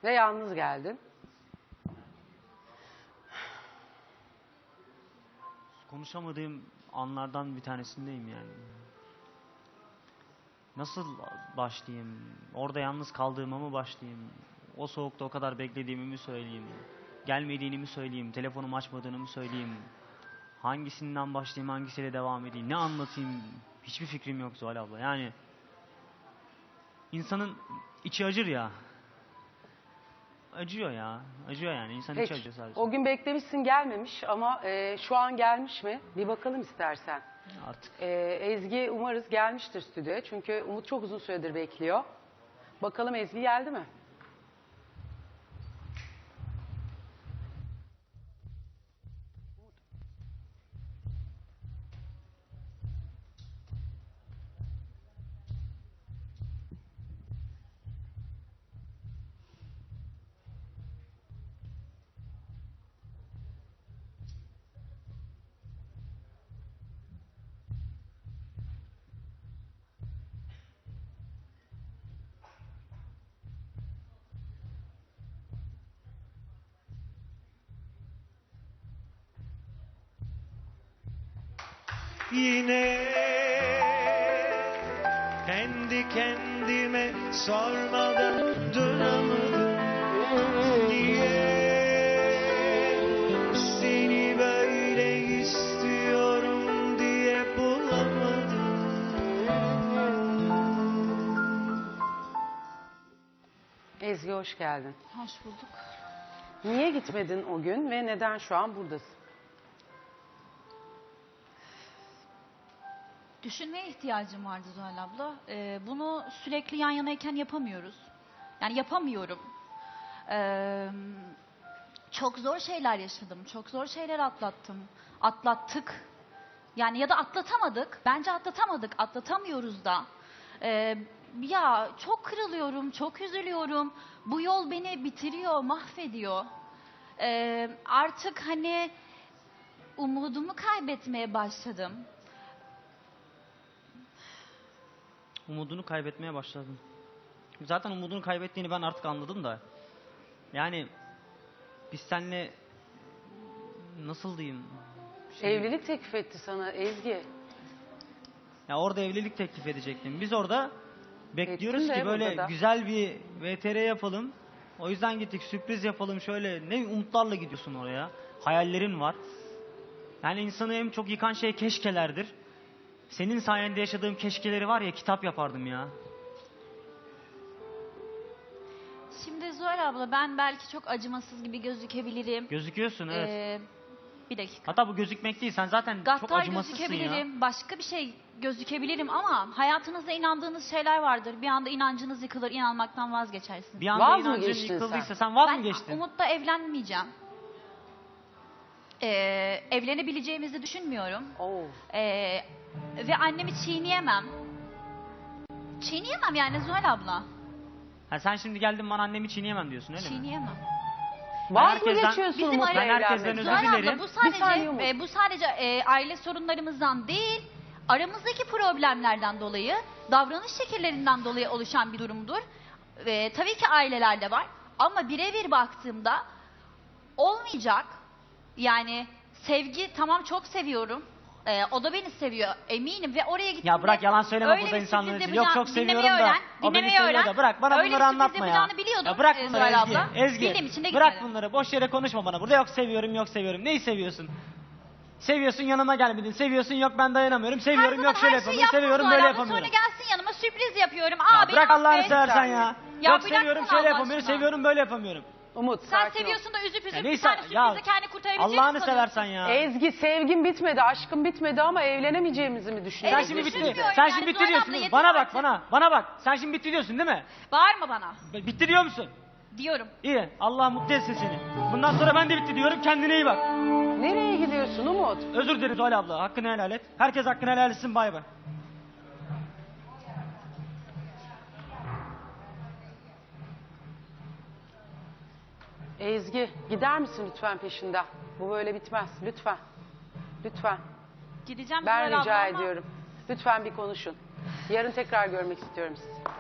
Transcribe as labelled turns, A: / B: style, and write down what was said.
A: Ve yalnız geldin.
B: Konuşamadığım anlardan bir tanesindeyim yani. Nasıl başlayayım? Orada yalnız kaldığıma mı başlayayım? O soğukta o kadar beklediğimi mi söyleyeyim? Gelmediğini mi söyleyeyim? Telefonumu açmadığını mı söyleyeyim? Hangisinden başlayayım, hangisiyle devam edeyim? Ne anlatayım? Hiçbir fikrim yok Zuhal abla. Yani insanın içi acır ya. Acıyor ya. Acıyor yani. İnsanın içi acıyor sadece.
A: O gün beklemişsin gelmemiş ama şu an gelmiş mi? Bir bakalım istersen.
B: Artık.
A: Ezgi umarız gelmiştir stüdyoya. Çünkü Umut çok uzun süredir bekliyor. Bakalım Ezgi geldi mi?
C: Yine kendi kendime sormadan duramadım. Niye seni böyle istiyorum diye bulamadım.
A: Ezgi hoş geldin.
D: Hoş bulduk.
A: Niye gitmedin o gün ve neden şu an buradasın?
D: Düşünmeye ihtiyacım vardı Zuhal abla. Bunu sürekli yan yanayken yapamıyoruz. Yani yapamıyorum. Çok zor şeyler yaşadım. Çok zor şeyler atlattım. Atlattık. Yani ya da atlatamadık. Bence atlatamadık. Atlatamıyoruz da. Ya çok kırılıyorum. Çok üzülüyorum. Bu yol beni bitiriyor, mahvediyor. Artık hani umudumu kaybetmeye başladım.
B: Umudunu kaybetmeye başladın. Zaten umudunu kaybettiğini ben artık anladım da. Yani biz seninle nasıl diyeyim?
A: Evlilik teklif etti sana Ezgi.
B: Ya orada evlilik teklif edecektim. Biz orada bekliyoruz
A: Ettin de
B: ki böyle
A: burada da.
B: güzel bir VTR yapalım. O yüzden gittik, sürpriz yapalım şöyle. Ne umutlarla gidiyorsun oraya. Hayallerin var. Yani insanı en çok yıkan şey keşkelerdir. Senin sayende yaşadığım keşkeleri var ya, kitap yapardım ya.
D: Şimdi Zuhal abla ben belki çok acımasız gibi gözükebilirim.
B: Gözüküyorsun evet.
D: Bir dakika.
B: Hatta bu gözükmek değil, sen zaten çok
D: Gaddar
B: acımasızsın ya.
D: gözükebilirim, başka bir şey gözükebilirim ama hayatınızda inandığınız şeyler vardır. Bir anda inancınız yıkılır, inanmaktan vazgeçersiniz.
B: Bir anda
A: Vaz mı
B: inancın
A: geçtin
B: yıkıldıysa
A: sen?
B: sen vaz mı
D: Ben
B: geçtin?
D: Umut'la evlenmeyeceğim. Evlenebileceğimizi düşünmüyorum.
A: Oo.
D: Ve annemi çiğneyemem. Çiğneyemem yani Zuhal abla.
B: Ha, sen şimdi geldin bana annemi çiğneyemem diyorsun öyle mi?
D: Çiğneyemem.
A: Vaz mı
B: herkesten-
A: geçiyorsun
D: Bizim
A: Umut'la
B: ben herkesten
A: evlenmek?
B: özür
D: Zuhal
B: dilerim.
D: abla bu
A: Bir saniye
D: sadece
A: Umut.
D: bu sadece aile sorunlarımızdan değil, aramızdaki problemlerden dolayı, davranış şekillerinden dolayı oluşan bir durumdur. Tabii ki ailelerde var ama birebir baktığımda olmayacak. Yani sevgi tamam çok seviyorum. O da beni seviyor eminim ve oraya gittiğimde
B: Ya bırak yalan söyleme
D: öyle
B: burada
D: bir
B: insanların
D: sürpriz
B: için. Yok çok
D: yapacağını-
B: seviyorum
D: dinlemeyi
B: da.
D: öğren,
B: O beni
D: dinlemeyi
B: seviyor
D: öğren.
B: da. Bırak bana
D: Öyle
B: bunları
D: bir sürpriz
B: anlatma ya.
D: yapacağını biliyordum,
B: Ya bırak bunları
D: Zuhal
B: Ezgi.
D: abla.
B: Ezgi.
D: Bildiğim için de
B: Bırak
D: gitmedim.
B: bunları. Boş yere konuşma bana. Burada yok seviyorum yok seviyorum. Neyi seviyorsun? Seviyorsun yanıma gelmedin. Seviyorsun yok ben dayanamıyorum. Seviyorum yok şöyle yapamıyorum. Seviyorum böyle yapamıyorum.
D: Sonra gelsin yanıma sürpriz yapıyorum.
B: Ya
D: Abi
B: bırak Allah'ını
D: affet.
B: seversen ya.
D: Ya
B: Yok
D: bırak
B: seviyorum
D: bunu
B: şöyle
D: Allah
B: yapamıyorum.
D: aşkına.
B: Seviyorum böyle yapamıyorum.
A: Umut
D: Sen
A: sakin ol.
D: seviyorsun da üzüp üzüp bir
B: neyse,
D: tane
B: ya
D: sürprizle kendini kurtarabileceğini
B: Allah'ını
D: sanıyorsun.
B: seversen ya.
A: Ezgi sevgin bitmedi, aşkın bitmedi ama evlenemeyeceğimizi mi
B: Sen
A: düşünüyorsun?
D: Evet,
B: şimdi bitti.
D: düşünmüyorum
B: Sen
D: yani,
B: şimdi bitti
D: Zuhal
B: diyorsun.
D: abla, yeter
B: Bana bak
D: artık.
B: bana bak. Sen şimdi bitti diyorsun değil mi?
D: Bağırma bana
B: Bitti diyor musun?
D: diyorum.
B: İyi. Allah mutlu etsin seni. Bundan sonra ben de bitti diyorum. Kendine iyi bak.
A: Nereye gidiyorsun Umut?
B: Özür dilerim Zuhal abla. Hakkını helal et. Herkes hakkını helal etsin. Bay bay.
A: Ezgi gider misin lütfen peşinden? Bu böyle bitmez. Lütfen. Lütfen.
D: Gideceğim
A: Ben
D: Zuhal
A: rica
D: abla ama
A: ediyorum. Lütfen bir konuşun. Yarın tekrar görmek istiyorum sizi.